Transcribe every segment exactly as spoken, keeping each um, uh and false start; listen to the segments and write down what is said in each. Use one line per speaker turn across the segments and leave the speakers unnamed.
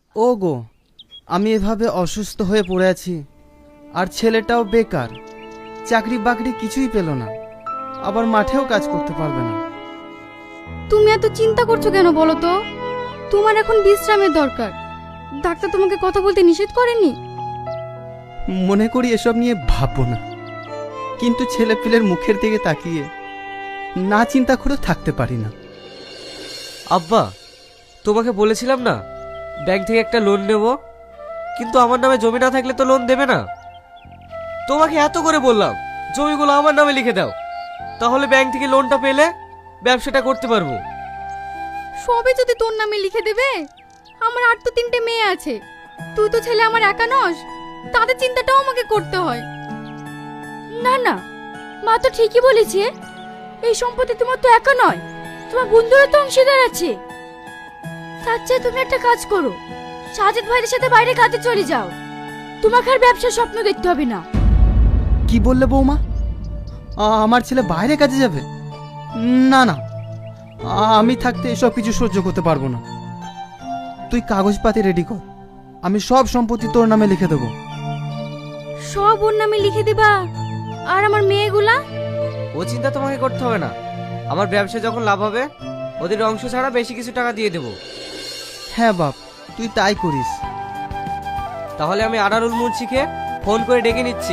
ও গো, আমি এভাবে অসুস্থ হয়ে পড়ে আছি, আর ছেলেটাও বেকার, চাকরি বাকরি কিছুই পেল না, আবার মাঠেও কাজ করতে পারবে না।
তুমি এত চিন্তা করছো কেন বলো তো? তোমার এখন বিশ্রামের দরকার। ডাক্তার তোমাকে কথা বলতে নিষেধ করেনি?
মনে করি এসব নিয়ে ভাববো না, কিন্তু ছেলে পিলের মুখের দিকে তাকিয়ে না চিন্তা করে থাকতে পারি না।
আব্বা, তোমাকে বলেছিলাম না ব্যাংক থেকে একটা লোন নেব, কিন্তু আমার নামে জমি না থাকলে তো লোন দেবে না। তোমাকে এত করে বললাম জমিগুলো আমার নামে লিখে দাও, তাহলে ব্যাংক থেকে লোনটা পেলে ব্যবসাটা করতে পারবো।
সবই যদি তোর নামে লিখে দেবে, আমার আর তো তিনটে মেয়ে আছে, তুই তো ছেলে আমার একা নস, তাদের চিন্তাটাও আমাকে করতে হয়। না না, মা তো ঠিকই বলেছে, এই সম্পত্তি তোমার তো একা নয়, তোমার বন্ধুরা তো অংশীদার আছে। তার চেয়ে তুমি একটা কাজ করো, সাজিদ ভাইয়ের সাথে বাইরে কাজে চলে যাও, তোমাকে আর ব্যবসার স্বপ্ন দেখতে হবে না।
কি বললে বৌমা? আ- আমার ছেলে বাইরে কাজে যাবে? না না, আ- আমি থাকতে এসব কিছু সহ্য করতে পারবো না। তুই কাগজপাতি রেডি কর, আমি সব সম্পত্তি তোর নামে লিখে দেবো।
সব ওর নামে লিখে দিবা? আর আমার মেয়েগুলা?
ও চিন্তা তোমাকে করতে হবে না, আমার ব্যবসা যখন লাভ হবে ওদের অংশ ছাড়া বেশি কিছু টাকা দিয়ে দেবো।
হ্যাঁ বাপ, তুই তাই করিস।
তাহলে আমি আনারুল মুন্সিকে ফোন করে ডেকে নিচ্ছি।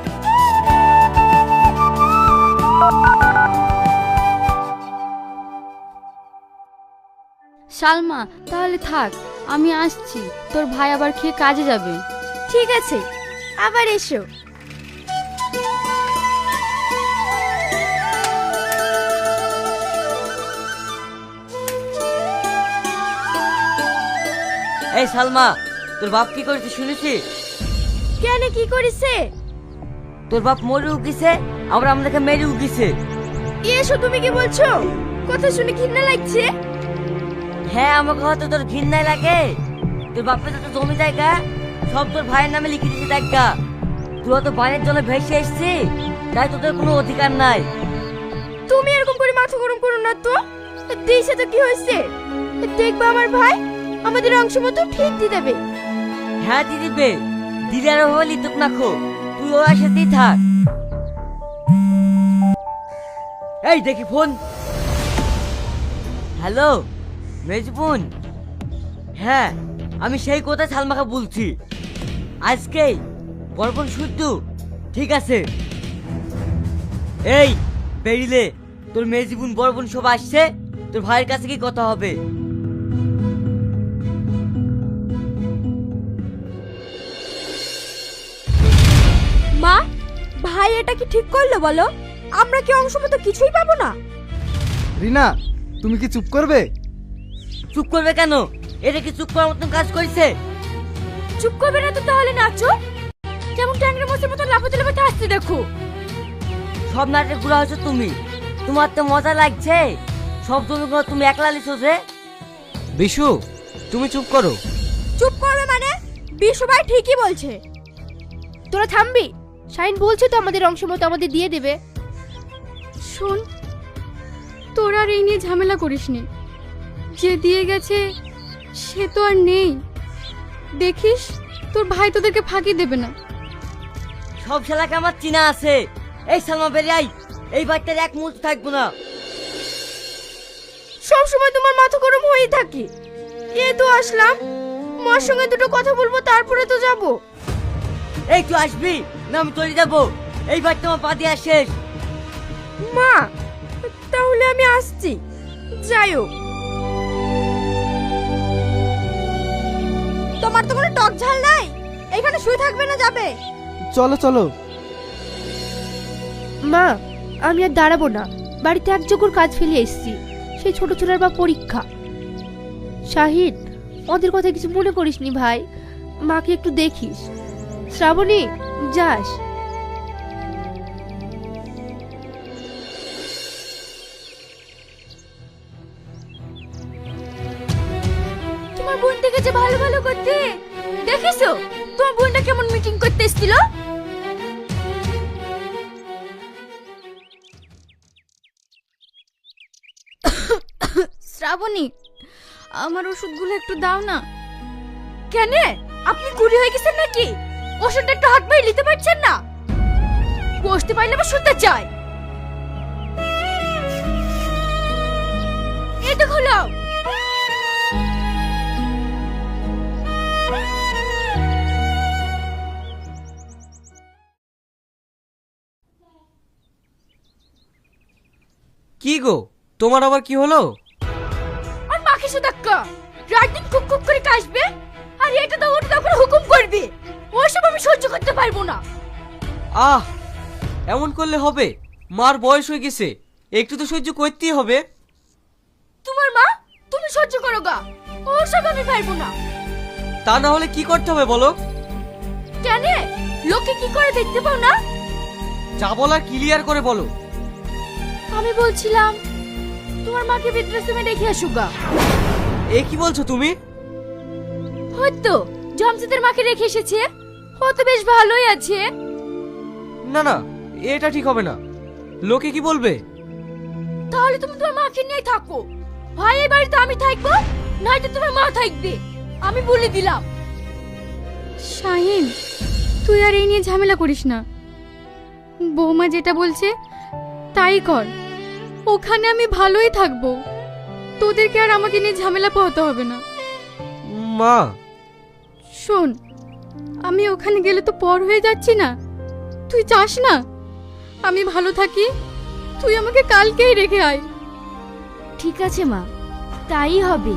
সালমা, তাহলে থাক, আমি আসছি, তোর ভাই আবার খেয়ে কাজে যাবে। ঠিক আছে, আবার এসো।
এই সালমা, তোর বাপ কি করেছে শুনেছি?
কেন, কি করেছে?
তোর বাপ মরে উগিছে, আবার আমাদেরকে মেরে উগিছে।
এসো, তুমি কি বলছো? কথা শুনে ঘৃণা লাগছে।
হ্যাঁ, আমাকে হয়তো তোর ঘৃণায় লাগে। তোর বাপের যত জমি জায়গা সব তোর ভাইয়ের নামে লিখে দিয়েছে দেখা। তুই হয়তো বাইরের জন্য ভেসে এসছি, তাই তোদের কোনো অধিকার নাই।
তুমি এরকম করে মাথা গরম করো না তো। দেশে তো কি হয়েছে, দেখবা আমার ভাই আমাদের অংশ মতো ঠিক দিয়ে দেবে।
হ্যাঁ দিয়ে দিবে, দিদার হলি তোক না খো, তুই ওর সাথেই থাক। এই দেখি ফোন। হ্যালো মেজবুন, হ্যাঁ আমি সেই কথা সালমাকে বলছি, আজকেই বরবন শুদ্ধ। ঠিক আছে, এই বেরিলে তোর মেজবুন বরবন সব আসছে, তোর ভাইয়ের কাছে কি কথা হবে।
মা, ভাই এটা কি ঠিক করলো বলো? আমরা কি অংশ মতো কিছুই পাবো না?
রিনা, তুমি কি চুপ করবে?
চুপ করবে কেন? এটা কি চুপ করার মতন কাজ করেছে?
চুপ করবে না তো তাহলে নাচো, যেমন ট্যাংরা মাছের মতো লাফাতে লাফাতে আসতে দেখো।
সব নাটক ঘুরা হচ্ছে তুমি, তোমার তো মজা লাগছে। সব জমিগুলো তুমি একলা লিখছো যে।
বিশু, তুমি চুপ করো।
চুপ করবে মানে? বিশু ভাই ঠিকই বলছে। তোরা থামবি? শাইন বলছে তো আমাদের অংশ মতো আমাদের দিয়ে দেবে। শোন, তোরা আর এই নিয়ে ঝামেলা করিসনি, যে দিয়ে গেছে সে তো আর নেই। দেখিস তোর ভাই তোদেরকে ফাঁকি দেবে না।
সব শালাকে আমার চিনা আছে। এই সালমা বেরিয়ে আই, এই বাচ্চার এক মুহূর্ত থাকবো না।
সব সময় তোমার মাথা গরম হয়েই থাকে। এ তো আসলাম, মার সঙ্গে দুটো কথা বলবো, তারপরে তো যাব।
এই তুই আসবি না আমি চলে যাবো? এই বাচ্চা আমার পা দিয়ে শেষ।
মা, তাহলে আমি আসছি, যাইও। তোমার তো কোনো টক ঝাল নাই, এখানে শুয়ে থাকবে না, যাবে?
চলো চলো।
মা, আমি আর দাঁড়াবো না, বাড়িতে এক জোগাড় কাজ ফেলে এসেছি, সেই ছোট ছোটার বা পরীক্ষা। শাহিদ, ওদের কথা কিছু মনে করিসনি ভাই, মাকে একটু দেখিস। শ্রাবণী, যাস।
তোমার বোনটাকে যে ভালো ভালো করতে দেখিছো? তোমার বোনটা কেমন মিটিং করতে এসেছিল? শ্রাবণী, আমার ওষুধগুলো একটু দাও না। কেন আপনি কুড়ি হয়ে গেছেন নাকি? ওষুধটা একটু হাত বাইরে নিতে পারছেন না? বসতে পারলে আবার শুনতে চাই। এটা খোলো।
কি গো, তোমার আবার কি হলো?
আর মাকে সুদাক্কা রাত দিন কুক কুক করে কাশবে আর এটা দাও ওটা দাও করে হুকুম করবে। ওসব আমি সহ্য করতে পারবো না।
আহ, এমন করলে হবে? মার বয়স হয়ে গেছে, একটু তো সহ্য করতেই হবে।
তোমার মা, তুমি সহ্য করো গা, ওসব আমি পারবো না।
তা না হলে কি করতে হবে বলো?
কেন লোকে কি করে দেখতে পাও না?
যা বলার ক্লিয়ার করে বলো।
আমি বলছিলাম তোমার মাকে বৃদ্ধাশ্রমে রেখে আসো গা।
এ কি বলছো তুমি?
হয়তো জমসিদের মাকে রেখে এসেছে, ও তো বেশ ভালোই আছে।
না না, এটা ঠিক হবে না। লোকে কি বলবে?
তাহলে তুমি তোমার মাকে নিয়ে থাকো, ভাইয়ের বাড়িতে আমি থাকবো, নয়তো তোমার মা থাকবে, আমি বলে দিলাম। শাহিন, তুই আর এই নিয়ে ঝামেলা করিস না। বৌমা যেটা বলছে তাই কর, ওখানে আমি ভালোই থাকবো, তোদেরকে আর আমাকে নিয়ে ঝামেলা পোহাতে হবে না।
মা,
শোন, আমি ওখানে গেলে তো পর হয়ে যাচ্ছি না? তুই চাস না আমি ভালো থাকি? তুই আমাকে কালকেই রেখে আয়।
ঠিক আছে মা, তাই হবে।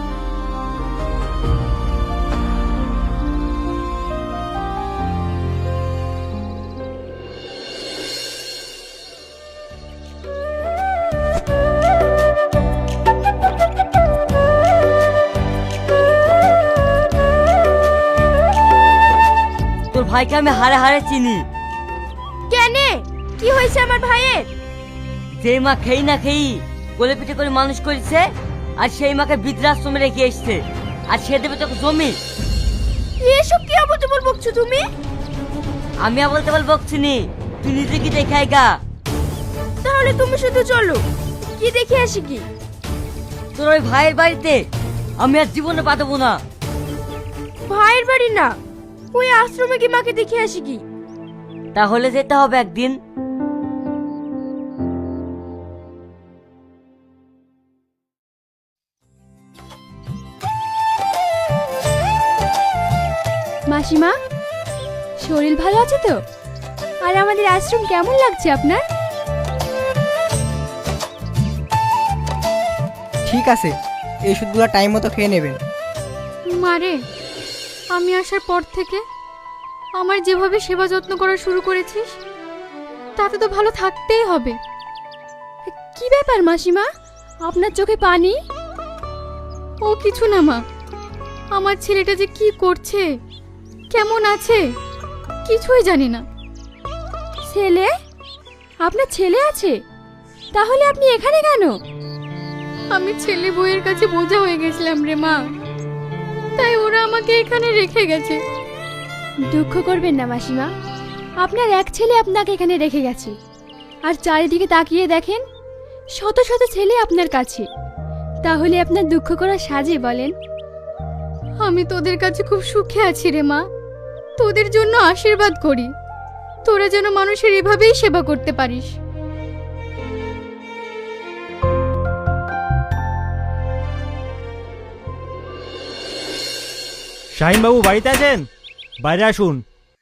তোর ভাইকে আমি হারে হারে চিনি।
কেন, কি হয়েছে আমার ভাইয়ের?
যে মা খেই না খেই কোলে পিঠে করে মানুষ করেছে, আর সেই মাকে বৃদ্ধাশ্রমে রেখে এসছে, আর সে দেবে তোকে জমি।
এসব কি আবল তাবল বকছো তুমি?
আমি আবল তাবল বকছি নি, তুই নিজে কি দেখাই গা।
তাহলে তুমি শুধু চলো, কি দেখে আসি কি?
তোর ওই ভাইয়ের বাড়িতে আমি আর জীবনে পা দেবো না।
ভাইয়ের বাড়ি না, ওই আশ্রমে কি মাকে দেখে আসি কি?
তাহলে যেতে হবে একদিন।
মাসিমা, শরীর ভালো আছে তো? আর আমাদের আশ্রম কেমন লাগছে আপনার?
ঠিক আছে, এই ওষুধগুলো টাইম মতো খেয়ে নেবেন।
মারে, আমি আসার পর থেকে আমার যেভাবে সেবা যত্ন করা শুরু করেছিস, তাতে তো ভালো থাকতেই হবে। কি ব্যাপার মাসিমা, আপনার চোখে পানি? ও কিছু না মা, আমার ছেলেটা যে কি করছে, কেমন আছে, কিছুই জানি না। ছেলে? আপনার ছেলে আছে? তাহলে আপনি এখানে কেন? আমি ছেলে বউয়ের কাছে বোঝা হয়ে গেছিলাম রে মা, তাই ওরা আমাকে এখানে রেখে গেছে। দুঃখ করবেন না মাসিমা, আপনার এক ছেলে আপনাকে এখানে রেখে গেছে, আর চারিদিকে তাকিয়ে দেখেন শত শত ছেলে আপনার কাছে, তাহলে আপনার দুঃখ করা সাজে বলেন? আমি তোদের কাছে খুব সুখে আছি রে মা, তোদের জন্য আশীর্বাদ করি, তোরা যেন মানুষের এভাবেই সেবা করতে পারিস।
শাহিন বাবু বাড়িতে আছেন? বাইরে আসুন।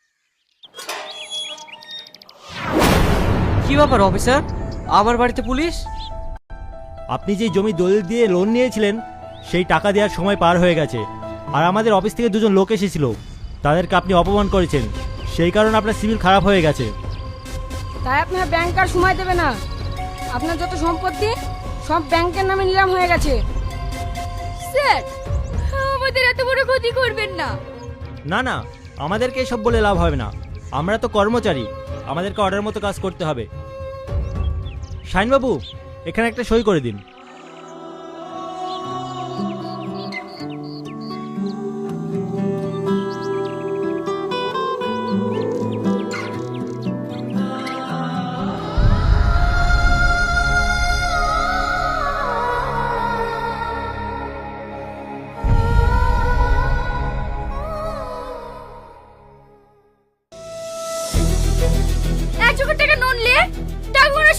কি ব্যাপার অফিসার, আমার বাড়িতে পুলিশ?
আপনি যে জমি দলিল দিয়ে লোন নিয়েছিলেন, সেই টাকা দেওয়ার সময় পার হয়ে গেছে, আর আমাদের অফিস থেকে দুজন লোক এসেছিল, তাদেরকে আপনি অপমান করেছেন, সেই কারণে আপনার সিভিল খারাপ হয়ে গেছে।
তাই আপনার ব্যাংক আর সময় দেবে না, আপনার যত সম্পত্তি সব ব্যাংকের নামে নিলাম হয়ে গেছে।
স্যার, আমাদের এত বড় ক্ষতি করবেন না।
না না, আমাদেরকে এসব বলে লাভ হবে না, আমরা তো কর্মচারী, আমাদেরকে অর্ডার মতো কাজ করতে হবে। শাহিন বাবু, এখানে একটা সই করে দিন।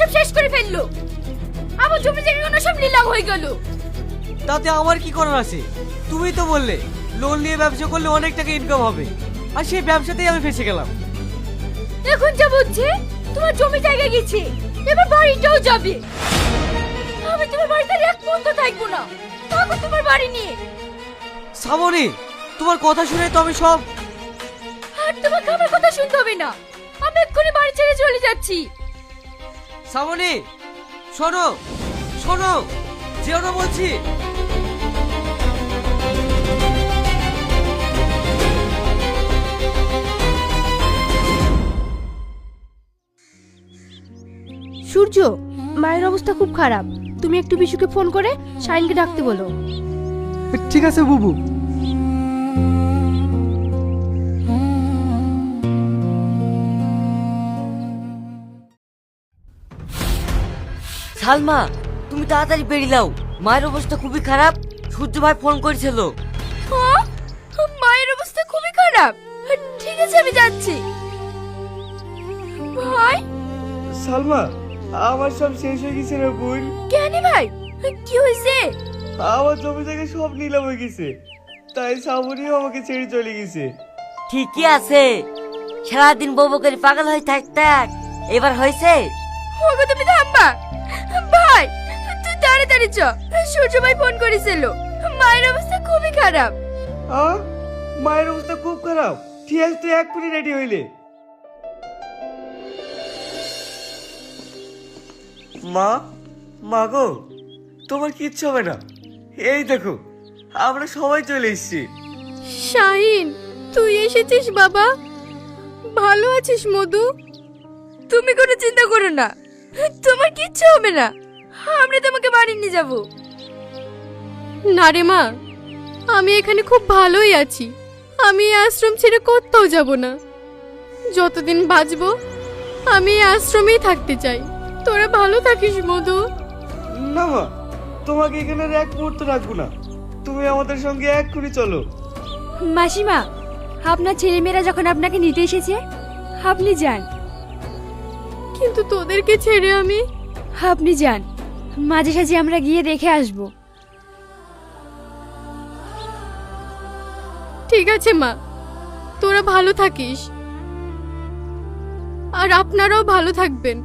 সব শেষ করে ফেললো। আমার জমি জায়গাগুলো সব নিলাম হয়ে গেল।
তাতে আমার কি করার আছে? তুমি তো বললে লোন নিয়ে ব্যবসা করলে অনেক টাকা ইনকাম হবে, আর সেই ব্যবসাতেই আমি ফেসে গেলাম।
এখন যা বুঝছি তোমার জমি জায়গা গেছে, এবার বাড়িটাও যাবে। আমি তোমার বাড়িতে আর এক মুহূর্ত থাকবো না। থাকো তোমার বাড়ি নিয়ে।
শ্রাবণী, তোমার কথা শুনে তো আমি সব।
আর তোমাকে আমার কথা শুনতে হবে না, আমি এক্ষুনি বাড়ি ছেড়ে চলে যাচ্ছি।
শ্রাবণী, শোনো শোনো, যেও না বলছি।
সূর্য, মায়ের অবস্থা খুব খারাপ, তুমি একটু বিশুকে ফোন করে শাইনকে ডাকতে বলো।
ঠিক আছে বুবু।
সালমা, তুমি তাড়াতাড়ি বেরিয়ে দাও, মায়ের অবস্থা খুবই খারাপ। সূর্য ভাই ফোন করেছিল।
হ্যাঁ, মায়ের অবস্থা খুবই খারাপ। ঠিক আছে, আমি যাচ্ছি। ভাই,
সালমা, আমার সব শেষ হয়ে গেছে রে বোন।
কেন ভাই, কি হয়েছে?
আমার জমি থেকে সব নিলাম হয়ে গেছে, তাই শ্রাবণীও আমাকে ছেড়ে চলে গেছে।
ঠিকই আছে, সারাদিন বউ করে পাগল হয়ে থাক থাক, এবার হয়েছে।
ওগো তুমি থামবা। ভাই, তুই তাড়াতাড়ি চ, সূর্য ভাই ফোন করেছিল, মায়ের অবস্থা খুবই খারাপ।
আ মায়ের অবস্থা খুব খারাপ। ঠিক আছে, তুই এক্ষুনি রেডি হইলে। মা, মা গো, তোমার কিচ্ছু হবে না। এই দেখো, আমরা সবাই চলে এসেছি।
শাহিন, তুই এসেছিস বাবা? ভালো আছিস মধু? তুমি কোনো চিন্তা করো না, তোমার কিচ্ছু হবে না। আমরা তোমাকে বাড়ি নিয়ে যাব। না রে মা, আমি এখানে খুব ভালোই আছি। আমি এই আশ্রম ছেড়ে কোথাও যাব না। যতদিন বাঁচবো আমি এই আশ্রমেই থাকতে চাই। তোরা ভালো থাকিস মধু।
না মা, তোমাকে এখানে আর এক মুহূর্ত রাখবো না। তুমি আমাদের সঙ্গে এক্ষুনি চলো।
মাসিমা, আপনার ছেলেমেয়েরা যখন আপনাকে নিতে এসেছে, আপনি যান। কিন্তু তোদেরকে ছেড়ে আমি? আপনি যান, মাঝে সাঝে আমরা গিয়ে দেখে আসব। ঠিক আছে মা, তোরা ভালো থাকিস, আর আপনারাও ভালো থাকবেন।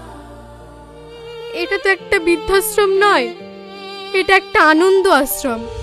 এটা তো একটা বৃদ্ধাশ্রম নয়, এটা একটা আনন্দ আশ্রম।